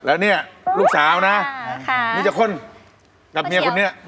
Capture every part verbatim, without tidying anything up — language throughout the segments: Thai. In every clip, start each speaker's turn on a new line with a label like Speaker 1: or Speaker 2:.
Speaker 1: แล้วเนี่ยลูกสาวนะ
Speaker 2: ค่ะ
Speaker 1: นี่จะคนกับเมียคนเนี้ย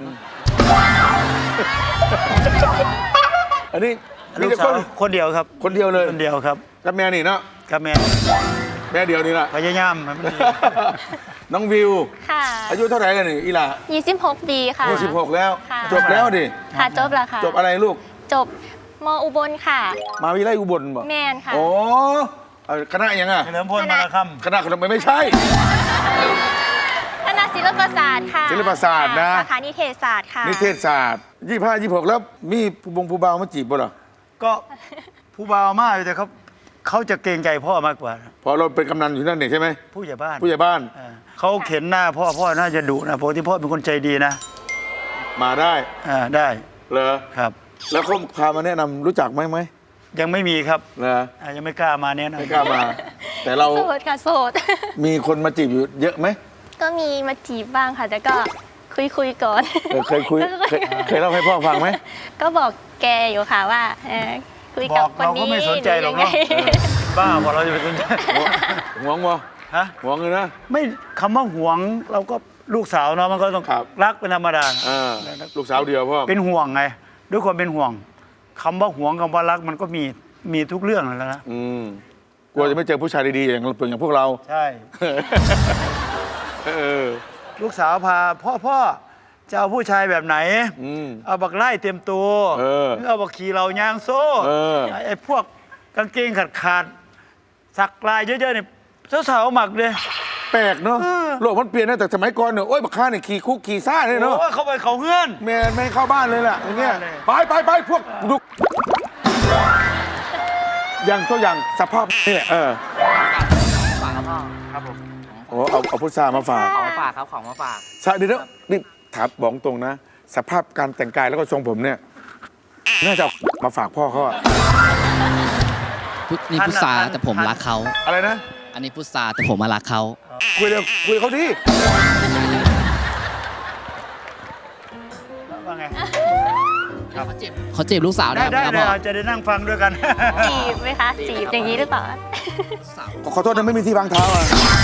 Speaker 1: อันนี้
Speaker 3: ลู
Speaker 1: นี่
Speaker 3: ก
Speaker 1: จะ
Speaker 3: สา
Speaker 1: ค
Speaker 3: วน คนเดียวครับ
Speaker 1: คนเดียวเลย
Speaker 3: คนเดียวครับ
Speaker 1: กับเมียนี่เนาะ
Speaker 3: กับแม่
Speaker 1: แม่เดียวนี่แหละ
Speaker 3: พยายามให้มันดี
Speaker 1: น้องวิว
Speaker 2: ค่ะ
Speaker 1: อายุเท่าไหร่กันนี่อีหล่า
Speaker 2: ยี่สิบหกปีค่ะ
Speaker 1: อายุสิบหกแล้ว
Speaker 2: ค่ะ
Speaker 1: จบแล้วดิ
Speaker 2: ค่ะจบแล้วค่ะ
Speaker 1: จบอะไรลูก
Speaker 2: จบมอุบลค่ะ
Speaker 1: มาวิไลอุบลบ่
Speaker 2: แมนค่ะ
Speaker 1: โอ้เอ่อคณะยังอ่ะ
Speaker 3: เฉลิมพลมาละค
Speaker 1: คณะขนมไม่ใช่
Speaker 2: คณะศิลปศาสตร์ค่ะ
Speaker 1: ศิลปศาสตร์นะ
Speaker 2: สาขานิเทศศาสตร์ค่ะ
Speaker 1: นิเทศศาสตร์ยี่ห้ายี่หกแล้วมีผู้บงผู้บ่าวมาจีบบ่เหรอ
Speaker 3: ำก็ผู้บ่าวมากแต่เขาเขาจะเกรงใจพ่อมากกว่า
Speaker 1: พอเราเป็นกำนันอยู่นั่นเองใช่ไหม
Speaker 3: ผู้ใหญ่บ้าน
Speaker 1: ผู้ใหญ่บ้าน
Speaker 3: เออเขาเข็นหน้าพ่อพ่อน่าจะดุนะปกติพ่อเป็นคนใจดีนะ
Speaker 1: มาได้
Speaker 3: อ่าได้
Speaker 1: เหรอ
Speaker 3: ครับ
Speaker 1: แล้วเขาพามาแนะนำรู้จักไหมไหม
Speaker 3: ยังไม่มีครับ
Speaker 1: เหรอ
Speaker 3: อ่ายังไม่กล้ามาแน่นะ
Speaker 1: ไม่กล้ามา แต่เรา
Speaker 2: โสดค่ะโสด
Speaker 1: มีคนมาจีบอยู่เยอะไหม
Speaker 2: ก็มีมาจีบบ้างค่ะแต่ก็คุยคุยๆก่อน
Speaker 1: เออเคยคุยเคยเคยเล่าให้พ่อฟังไหม
Speaker 2: ก็บอกแกอยู่ค่ะว่าเออคุย
Speaker 3: บ
Speaker 2: กั
Speaker 3: อบ ก
Speaker 2: คน
Speaker 3: เรา
Speaker 2: นี้
Speaker 3: ก็ไม่สนใจหรอกเนาะ
Speaker 2: รือยังไง
Speaker 3: บ้าพอเราจะไปสนใจ
Speaker 1: หวงวะ
Speaker 3: ฮะ
Speaker 1: หวงเลยนะ
Speaker 3: ไม่คำว่าหวงเราก็ลูกสาวเนาะมันก็ต้อง
Speaker 1: ครับ
Speaker 3: รักเป็นธรรมดา
Speaker 1: อ่าลูกสาวเดียวพ่อ
Speaker 3: เป็นห่วงไง ด้วยความเป็นห่วงคำว่าห่วงคำว่ารักมันก็มีมีทุกเรื่องนั่นแหล้วนะ
Speaker 1: อืมกลัวจะไม่เจอผู้ชายดีๆอย่างเราเปลืองอย่างพวกเรา
Speaker 3: ใช่
Speaker 1: เออ
Speaker 3: ลูกสาวพาพ่อพ่อจะเอาผู้ชายแบบไหน
Speaker 1: อืม
Speaker 3: เอาบักไล่เต็มตัว
Speaker 1: เออ
Speaker 3: หรือเอาบักขี่เรายางโซ่
Speaker 1: เออ
Speaker 3: ไอ้พวกกางเกงขาดขาดๆสักลายเยอะๆเนี่ยสาวๆหมักเลย
Speaker 1: แปลกเนาะ
Speaker 3: เออ
Speaker 1: โลกมันเปลี่ยนนะแต่สมัยก่อนเนี่ยโอ้ยบักข้าเนี่ยขี่คุกขี่ซ่าเลยเนาะ
Speaker 3: โอ้ยเขาไปเขาเงื่อน
Speaker 1: แม่ไม่ให้เข้าบ้านเลยล่ะอย่างเงี้ย
Speaker 3: เลย
Speaker 1: ไปไปไปพวกดุอย่างตัวอย่างสภาพนี่แหละเออ
Speaker 4: ฝากครับพ่อ
Speaker 3: ครับผม
Speaker 1: โอ้เอาเอาพุทรามาฝาก
Speaker 4: ของมาฝากครับของมาฝาก
Speaker 1: ใช่เดี๋ยวนะนี่ถามบอกตรงนะ สภาพการแต่งกายแล้วก็ทรงผมเนี่ยน่าจะเอามาฝากพ่อเขาอะ
Speaker 5: พุทนี่พุทธาแต่ผมรักเขา
Speaker 1: อะไรนะ
Speaker 5: อันนี้พุทธาแต่ผมมารักเขา
Speaker 1: คุยเลยคุยกับเขาดิ
Speaker 3: ว่าไง
Speaker 5: เขาจีบเขาจีบลูกสาวได้
Speaker 3: ได้
Speaker 5: ไหม
Speaker 3: ได้
Speaker 5: ครับพ่อ
Speaker 3: เราจะได้นั่งฟังด้วยกัน
Speaker 2: จีบไหมคะจีบอย่างนี้หรือเปล่า
Speaker 1: ขอโทษนะไม่มีที่วางเท้าอะ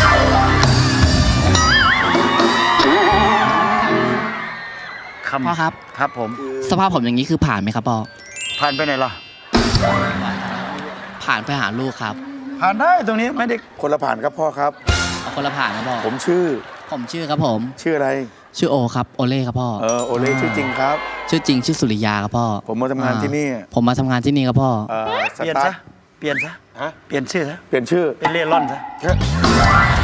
Speaker 3: คำ
Speaker 5: พ่อครับ
Speaker 3: ครับผม
Speaker 5: สภาพผมอย่างนี้คือผ่านไหมครับพ่อ
Speaker 3: ผ่านไปไหนล่ะ
Speaker 5: ผ่านไปหาลูกครับ
Speaker 3: ผ่านได้ตรงนี้ไม่ได้
Speaker 1: คนละผ่านครับพ่อครับ
Speaker 5: เอาคนละผ่านครับพ่อ
Speaker 1: ผมชื่อ
Speaker 5: ผมชื่อครับผม
Speaker 1: ชื่ออะไร
Speaker 5: ชื่อโอครับโอเล่ครับพ่อ
Speaker 1: เออโอเล่ชื่อจริงครับ
Speaker 5: ชื่อจริงชื่อสุริยาครับพ่อ
Speaker 1: ผมมาทำงานที่นี่
Speaker 5: อ่าผมมาทำงานที่นี่ครับพ่อ
Speaker 1: เออส
Speaker 3: เปลี่ยน
Speaker 1: ตา
Speaker 3: ซะ
Speaker 1: ร์ท
Speaker 3: เปลี่ยนซะ
Speaker 1: ฮะ
Speaker 3: เปลี่ยนชื่อซะ
Speaker 1: เปลี่ยนชื่อ
Speaker 3: เป็นเล่ร่อนซะ